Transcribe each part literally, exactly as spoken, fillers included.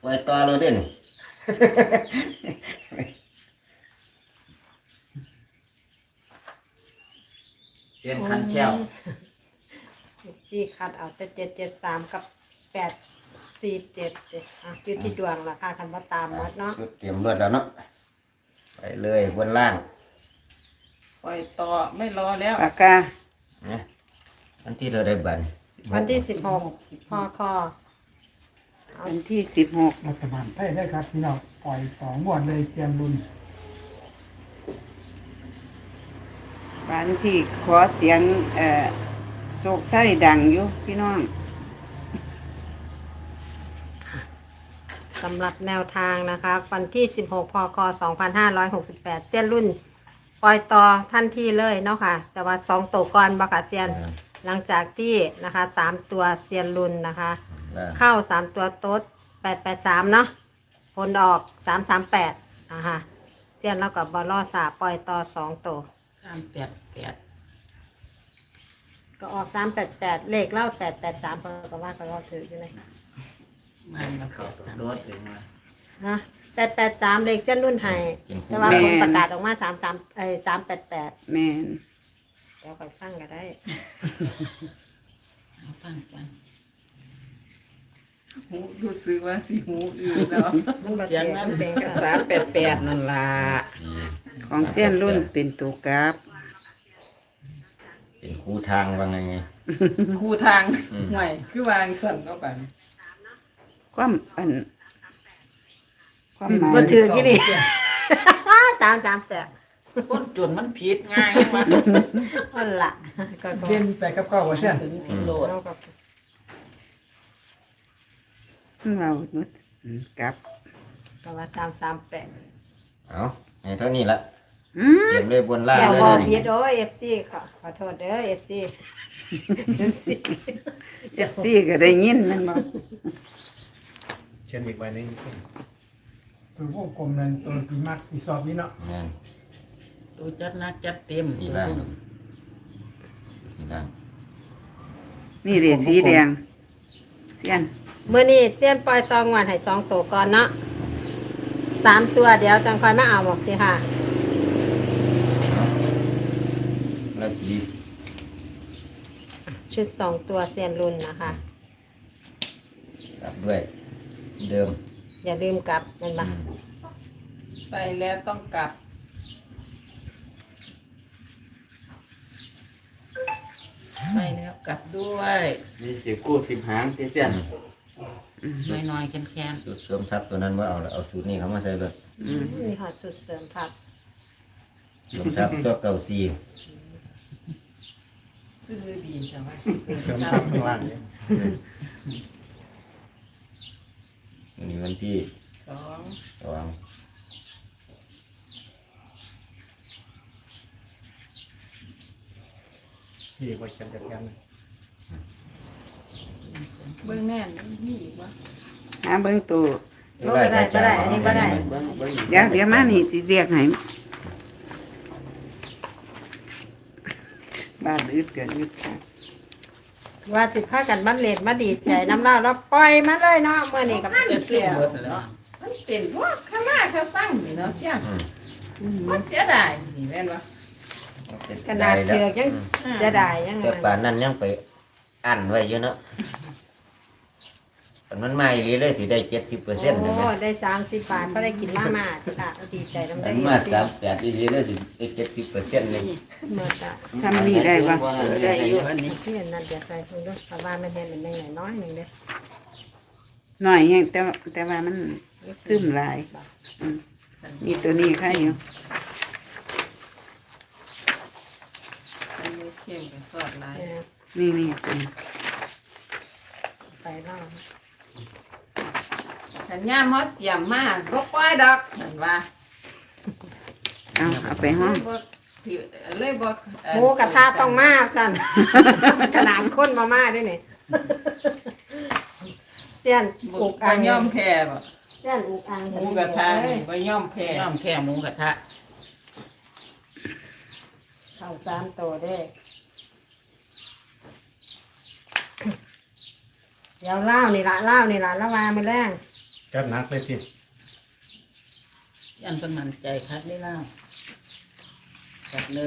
ล่อยต่อเลยเด้นี่เสียนคันแก้วสี่คัดเอาแต่เจ็ดเจ็ดสามกับแปดสี่เจ็ดเจ็ดอ่ะอยู่ที่ดวงราคาคันว่าตามหมดเนาะชุดเตรียมรวดแล้วเนาะไปเลยบนล่างปล่อยต่อไม่รอแล้วปากกานะอันที่เราได้บันวันที่สิบหกพอคอวันที่สิบหกรัฐบาลไทยได้ครับพี่น้องปล่อยสองงวดเลยเซียนรุนวันที่ขอเสียงเอ่อโศกไส้ดังอยู่พี่น้องสำหรับแนวทางนะคะ วันที่สิบหกพคสองพันห้าร้อยหกสิบแปดเซียนรุ่น ปล่อยต่อทันทีเลยเนาะค่ะ แต่ว่าสองตัวก่อนบักเซียน หลังจากที่นะคะสามตัวเซียนรุ่นนะคะ เข้าสามตัวโต๊ดแปดแปดสามเนาะผลออกสามสามแปดนะคะเซียนแล้วกับบอลลอสาปล่อยต่อสองตัวสามแปดแปดก็ออกสามแปดแปดเลขเล่าแปดแปดสามเพิ่นก็ว่าก็รอถืออยู่เลยมันมาเกิดรถถึงมาฮะแปดแปดสามเลขเส้นรุ่นไห้แต่ว่าผลประกาศออกมาสามสามเอ้สามแปดแปดแม่นเดี๋ยวค่อยฟังก็ได้เอาฟังกันหูรู้สึกว่าสิหูอื่นแล้ว เสียงนั้นเป็นกระสาแปดแปดนั่นล่ะของเส้นรุ่นเป็นตัวกราฟเป็นคู่ทางว่าไงไงคู่ทางห่วยคือวางสั่นเข้าไปความอันความหมายบ่ถือกี่นี่ สามสามแปดคนจนมันผิดง่ายมากนั่นล่ะก็ก็เซียนแต่กับข้าวว่าเซียนถึงผิดโหลดเราก็เรานุดอืมกราฟก็ว่าสามสามแปดเอาให้เท่านี้ละอืมเตรียมเลยบนล่างอย่าเลยบอกเด้อพีนี่ดโอ้เอฟซีขอขอโทษเด้อเอฟซีเอฟซีเอฟซีก็ได้ยินแมันบ่เชียนอีกใบหนึงตัวพวกกลมนั่นตัวสีมักอีสอบนี้เนาะนั่นตัวจัดหนักจัดเต็มนี่ล่างนี่ล่างนี่เรียสีแดงเสียนเมื่อนี้เส้นปล่อยตองวันให้สองตัวก่อนเนาะสามตัวเดี๋ยวจังค่อยมาเอาบอกสิค่ะแล้วสีชุดสองตัวเซียนรุ่นนะคะกลับด้วย เดิมอย่าลืมกลับมันมาอืมไปแล้วต้องกลับ ไปแล้วกลับด้วยมีสิบกู้สิบหางที่เสียนน้อยๆแค้นสูตรเสริมทับตัวนั้นว่าเอาเอาสูตรนี้เขามาใส่เลยอืมมีหอดสุดเสริมผักเสริมทับตัวเก่าซีๆซื้อดีจังวะเสริมทับข้างล่างเนี่ยวันนี้วันที่สองสองพี่ว่าเชียนจัดการเลยเบื้องแน่นมีอีกวะหาเบิ่งตัวโอ้ไม่ได้ไม่ได้อันนี้ไม่ได้เบิ้งเบิ้งเดี๋ยวเดี๋ยวมานี่สิเรียกให้บ้านอึดเกินอึดค่ะว่าสิพากันบ้านเลดมาดีใจน้ำเล่าแล้วปล่อยมาเลยเนาะเมื่อนี้กับจะซื้เสีอย หมดแล้วมันเป็นพวกข้ามาข้าสั่งสิเนาะเสียอืมมันเสียดายนี่แม่นวะขนาดเชือกยังเสียดายยังไงแต่ป่านนั้นยังไปอันไว้เยอะเนาะแต่มันมาอีหลีเลยสิได้เจ็ดสิบเปอร์เซ็นต์โอ้ใช่ไหมได้สามสิบบาทก็ได้กินมาม่าค่ะดีใจน้ำมัได้นเยมาอะสิสามแปดอีหลีเลยสิได้เจ็ดสิบเปอร์เซ็นต์เลยเมื่อจ้ะทำนี่ได้ปะได้อยู่อันนี้ที่นั่นเดี๋ยวใส่คุณด้วยแต่ว่ามันเห็นเป็นยังไงน้อยหนึ่งเด้อหน่อยแฮงแต่ว่าแต่ว่ามันซึมหลายอืมนี่ตัวนี้ค่ะอยู่อันนี้เข้มกับซอสลายเนี่ยนี่นี่ตัวนี้ไปเล่าสัญญาณมดเตรียมมากบ่ปล่อยดอกเห็นว่าเอาเอาไปห้องบ่ถือเลยบ่เอ่อหมูกระทะต้องมากสั่น ขนาดข้นมาม่าด้วยนี่เสี้ยนบ่อุกบ่อังยอมแพ้บ่เสี้ยนอุกอังหมูกระทะเลนี่ยบ่ยอมแพ้ยอมแพ้หมูกระทะเข้าสามตัวเด้อเดี๋ยวเล่านี่ละเล่านี่ละละวาไม่แรงจจัดหนักเลยทียันเป็นมันใจคัดได้แล้วจัดเลย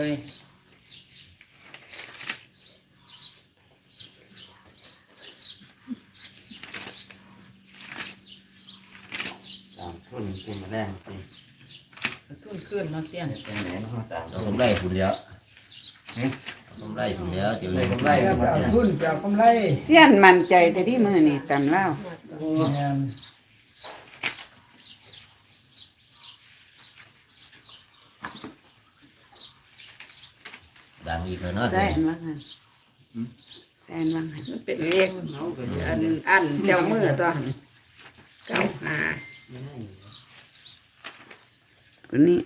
ตามทุนกินมาแรงจริงทุ่นขึ้นเนาะเสี้ยนเป็นไหนเนาะตามเอากำไรคุณแล้วเอากำไรคุณแล้วเดี๋ยวเลยกำไรไปมาเอาเนี่ยทุนไปเอากำไรเสี้ยนมั่นใจแต่ที่มือนี่ตำเล่าวแม่นดังอีกแล้วเนาะได้อันว่าหันได้อันว่าหันมันเป็นเลขอันอันเจ้ามือตัวเก้าหาตัวนี้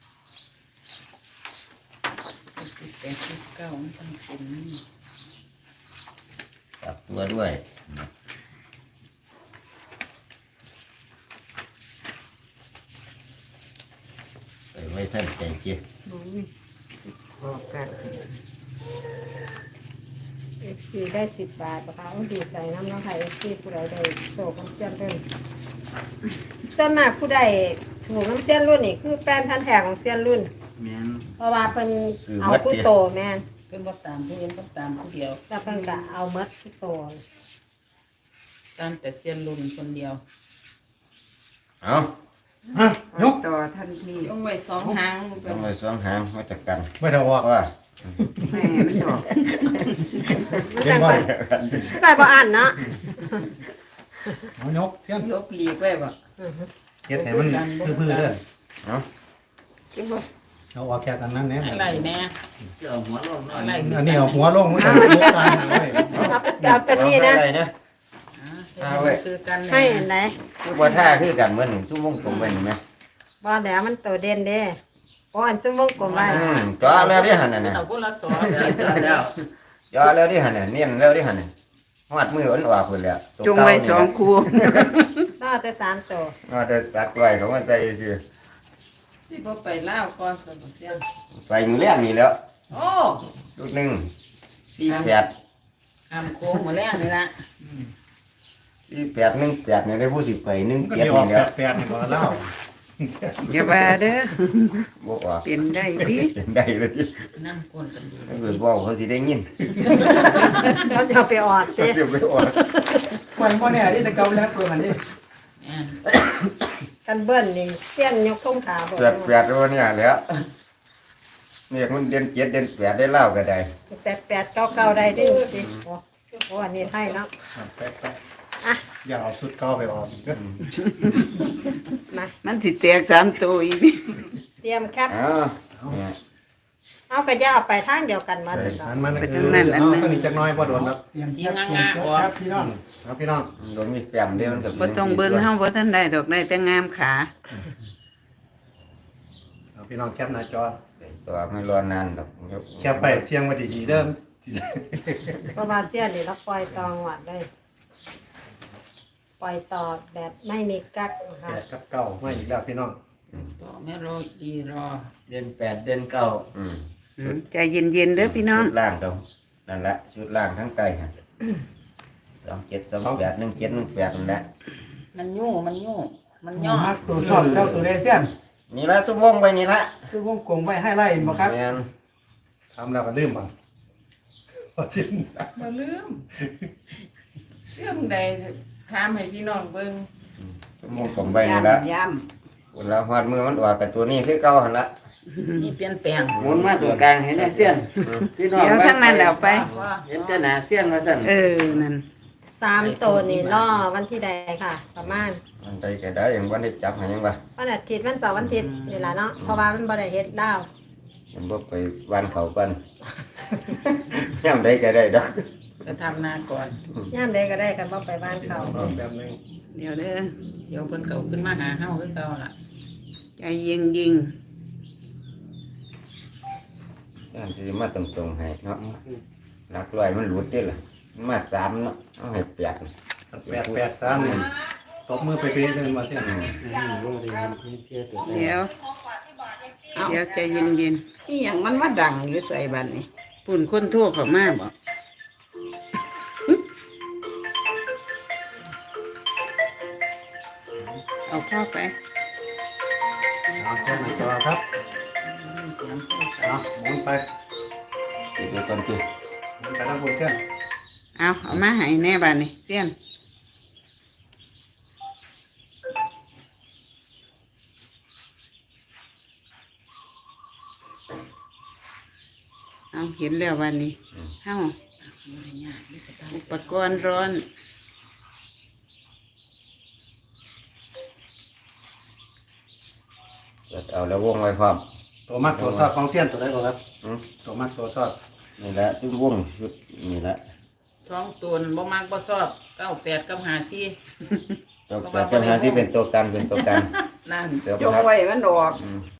สิบแปดสิบเก้ามันต้องเป็นนี่กลับตัวด้วยไปไว้ท่านใจเจ็บบอกกันเอฟซีได้สิบบาทนะคะโอ้ดีใจน้ำเน้องค่ะเอฟซีผู้ใดได้โศกน้ำเสี้ยนรุ่นส่วนมากผู้ใดถูกน้ำเสี้ยนรุ่นนี่คือแฟนพันธุ์แท้ของเสี้ยนรุ่นแม่นเพราะว่าเพิ่นเอาผู้โตแม่นเป็นว่าตามผู้เห็นก็ตามผู้เดียวแล้วเพิ่นก็เอาเมดผู้โตตามแต่เสี้ยนรุ่นคนเดียวเอาฮะยกต่อทันทียงไว้สองหางต้องไปสองหางมาจากกันไม่ได้ออกว่าแม่มันออกเห็นบ่ได้บ่อ่านเนาะเอายกเสี้ยนลบหลีกไว้บ่เฮ็ดให้มันพื้อๆเด้อเอาคิดว่าเอาออกแค่กันนั้นแน่อะไรแน่จะเอาหัวลงหน่อยอะไรอันนี้เอาหัวลงมันจะลุกตายหางไว้เอาเอาเป็นนี่นะเอาไปนะเอาไว้คือกันให้อันไหนคือว่าท่าคือกันเหมือนซุ้มวงกลมไว้เห็นไหมบ่แล้วมันโตเด่นเด้บ่อันซุ่มวงกลมไว้อืมจ่อแล้วที่หันน่ะนะเอาคนละสองเดี๋ยวเจอแล้วจ่อแล้วที่หันน่ะเนียนแล้วที่หันน่ะหอดมือมันออกไปแล้วตัวจงไว้สองเก่านี่นะคู่น่าแต่สามโตว่าจะตัดไว้เขามาใจสิที่บ่ไปล่าวก่อนสมเสียงไปมือแรกนี่แล้วโอ้ลูกหนึ่งสี่แปดทำโค้งมาแล้วนี่ละสี่แปดหนึ่งแปดเนี่ยได้ผู้สิบไปหนึ่งก็เจ็ดเดี๋ยวออกนี่แล้วแปดๆนี่บ่เล่าอย่าว่าเด้อบอกว่าเป็นได้พี่เป็นได้เลยที่นั่งกวนกันดูถ้าเกิดบอกเขาสิได้ยินเขาจะเอาไปออดเขาเด้จะไปออกมันบ่แน่ที่ตะเกาแล้วตัวมันนี่แอนกันเบิ้ลนี่เสี้ยนยกทงขาบ่แปดแปดตัวเนี่ยแล้วเนี่ยมันเดือนเจ็ดเดือนแปดได้เล่าก็ได้แปดแปดเก้าเก้าได้เด้สิโอ้โหอันนี้ให้เนาะแปะอ่ะๆอย่าเอาสุดเก่าไปออกอีกเด้อมามันสิแตกสามตัวอีกนี่เตรียมแคปอ้าวเนี่ยเอากระยาเอาไปทางเดียวกันมาสิอันมันคือเอาตัวนี้จักหน้อยบ่โดนครับสีงางาออกพี่น้องครับพี่น้องโดนมีแปมเดียวมันก็บ่ต้องเบิ่งเฮาบ่ทันได้ดอกได้แต่งามขาเอาพี่น้องแคปหน้าจอตัวไม่รอนานหรอกแคปไปเสียงไว้ดีๆเด้อเพราะว่าเสี้ยนนี่เราปล่อยตองหวัดได้ปล่อยต่อแบบไม่มีกักนะแปคะดกับเก้ามาอีกแล้วพี่น้องต่อแม่รออีรอเดือนแปดเดือนเก้าอืมอืมใจเย็นๆเด้อพี่น้องชุดล่างเขานั่นแหละชุดล่างทั้งไตฮะสองเจ็ดสองแปดหนึ่งเจ็ดหนึ่งแปดนั่นแหละมันยุ่งมันยุ่งมันย่อมักตัวชอบเจ้าตัวเดเซียนนี่ละซุ้มวงไปนี่ละคือวงกลมไว้ให้ไล่บ่ครับแม่นทำแล้วก็ลืมบ่พอสิ้นมาลืมเรื่องใดถามให้พี่น้องเบิ่งซุ้มวงกลมไปนี่ละย้คนละหอดมือมันออกกับตัวนี้คือเก่าหันละำนี่เปลี่ยนแปลงหมุนมาตัวกลางเห็นไหมเสี้ยนพี่น้องเดี๋ยวทั้งนั้นแล้วไปเห็นแต่หนาเสี้ยนมาสั่นเออนั่นสามตัวนี่ล่อวันที่ใดค่ะ ประมาณมันไปก็ได้ยังวันได้จับให้ยังวะวันอาทิตย์วันเสาร์วันอาทิตย์นี่แหละเนาะเพราะว่ามันบ่ได้เฮ็ดดาวยังบ่ไปวันเขากัน ย่ำได้ก็ได้ดอกจะทำนาก่อนย่ามใดก็ได้กันบ่ไปบ้านเขาเอาแบบนึงเดี๋ยวเด้อเดี๋ยวเพิ่นเก่าขึ้นมาหาเฮาคือเก่าล่ะใจเย็นยิงย่ำสิมาตรงๆให้เนาะหลักร้อยมันหลุดเด้ล่ะมันมาสามเนาะเอาให้แปดแปดแปดสามนี่ตบมือไปเป๊ะเลยมาเสียนเดี๋ยวเดี๋ยวใจเย็นนี่หยังมันมาดังอยู่ใส่บัดนี้ๆปุ่นคนโทั่วเข้ามาบ่เเอาเข้าไปเอาแค่ไหนตัวครับเสียงโทรศัเอาพท์หมุนไปติดไปก่อนคือหมุนไปทั้งคุณเส้นเอาเอามาให้แน่บ้านนี่เสี้ยนเอาเห็นแล้วบ้านนี้เฮ้าอุปกรณ์ร้อนเอาแล้ววงไว้พร้อมตัวมัดตัวซอดของเส้นตัวได้ก่อนครับอืมตัวมัดตัวซอดนี่แหละที่วงชุดนี่แหละสองตัวนั่นบ่มักบ่ชอบเก้าแปดกับห้าสี่ตัวแต่ปัญหาที่เป็นตัวกันเป็นตัวกันนั่นเดี๋ยวจคงรับไว้มันดอกอืม